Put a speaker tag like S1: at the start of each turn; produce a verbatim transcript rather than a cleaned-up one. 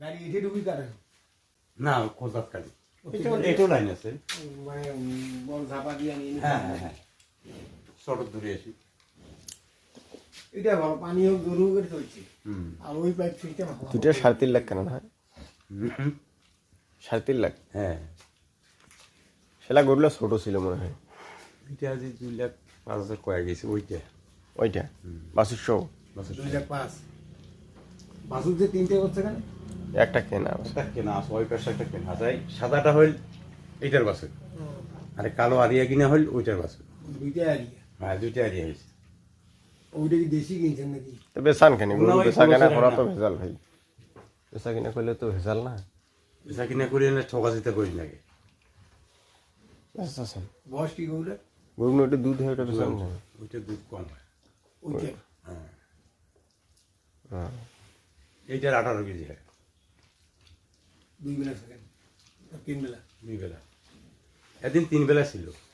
S1: গাড়ি এসে ঢুকি কাটে
S2: না কোজাত কালি এটাও লাইন আছে
S1: মানে বল ঝাপা দিয়ে নিয়ে
S2: হ্যাঁ হ্যাঁ হ্যাঁ শর্ট দূরে আসি
S1: এটা ভালো পানিও গরু করে চলছে
S2: হুম
S1: আর ওই পাইপ সিস্টেম
S3: দুইটা সাড়ে তিন লাখ কেন না
S2: হুম,
S3: সাড়ে তিন লাখ
S2: হ্যাঁ
S3: সেটা গরুলা ছোট ছিল মনে হয়
S2: এটা যে দুই লাখ পাঁচ হাজার কয়ে গেছে ওইটা
S3: ওইটা বাসুর শো
S2: বাসের
S1: দুই লাখ পাঁচ বাসুর যে তিনটে করছে কেন
S3: একটা কেনা
S2: একটা কেনা আছে ওই পাশে একটা কেনা আছে এই সাদাটা হইল এইটার বাসে আরে কালো আরিয়া কিনা হইল ওইটার বাসে
S1: দুইটা আরিয়া
S2: হ্যাঁ দুইটা আরিয়া হয়েছে
S1: ওইটা কি দেশি কিনছেন নাকি
S3: তো বেসান কেন গরু
S2: না, ওই
S3: বেচা কেনা
S2: ষোলো
S3: করা তো
S2: না।
S3: ভেজাল ভাই বেচা কিনা করলে তো ভেজাল না
S2: বেচা কিনা করি না ঠকা যেতে করি লাগে
S3: বেচাছেন
S1: বয়স কি গরুটা
S3: গরু ওইটা দুধ হয় ওটা বেচান না
S2: ওইটা দুধ কম হয়
S1: ওইটা
S2: হ্যাঁ
S3: হ্যাঁ
S2: এইটার আঠারো কেজি হয়
S1: দুই বেলা সেকেন্ড তিন বেলা
S2: দুই বেলা একদিন তিন বেলা ছিল